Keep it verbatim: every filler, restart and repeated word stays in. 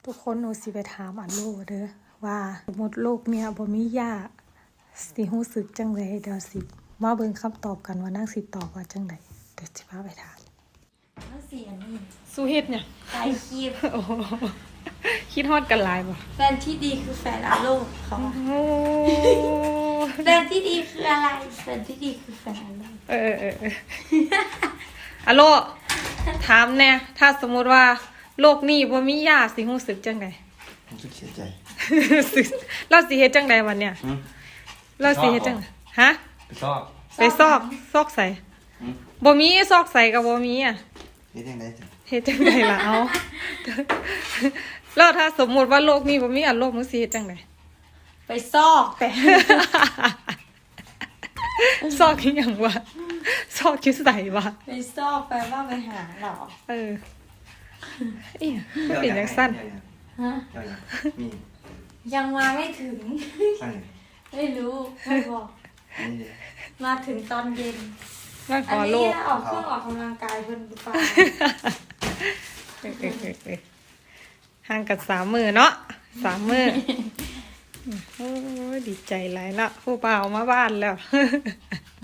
ทุกคนหนูสิไปถามอันโลเด้อว่าสมมติโลกเมียบ่มีญาติสิรู้สึกจังไดเดี๋ยวสิมาเบิ่งคำตอบกันว่านางสิตอบว่าจังไดเดี๋ยวสิพาไปถามแล้วเสียนี่สู้เฮ็ดเนี่ยใครคิดโอ้คิดฮอดกันหลายบ่แฟนที่ดีคือแฟนอาโลกเขาอะโอ้แฟนที่ดีคืออะไรแฟนที่ดีคือแฟนอาโลกเออเออเอออะโลถามแน่ถ้าสมมุติว่าโลกนี้บ่มีญาติสิรู้สึกจังไดรู้สึกเสียใจสึกเราสิเฮ็ดจังไดวันเนี่ยหืมเราสิเฮ็ดจังฮะไปชอบไปซอกซอกใส่หืมบ่มีซอกใส่กับบ่มีอ่ะเฮ็ดยังไงจ้ะเฮ็ดจังไดล่ะเอา แล้วถ้าสมมุติว่าโลกนี้บ่มีอันโลกมึงสิเฮ็ดจังไดไปซอกแต่ซอกอีหยังวะซอกคิดใส่วะไปซอกแปลว่าไปหาเหรอเออเอียก็เป็นจังซั่นฮะเดี๋ยวยังมียังมาไม่ถึงอันนี้ไม่รู้ไม่บอกอันนี้ดิมาถึงตอนเย็นมาขอันอโลนี้กออกเครื่องออกกำลังกายเพิ่นหรือเปล่าเออเออเออเออห่างกันสามมื้อเนาะสามมื้อโอ้ยดีใจหลายละผู้บ่าวมาบ้านแล้ว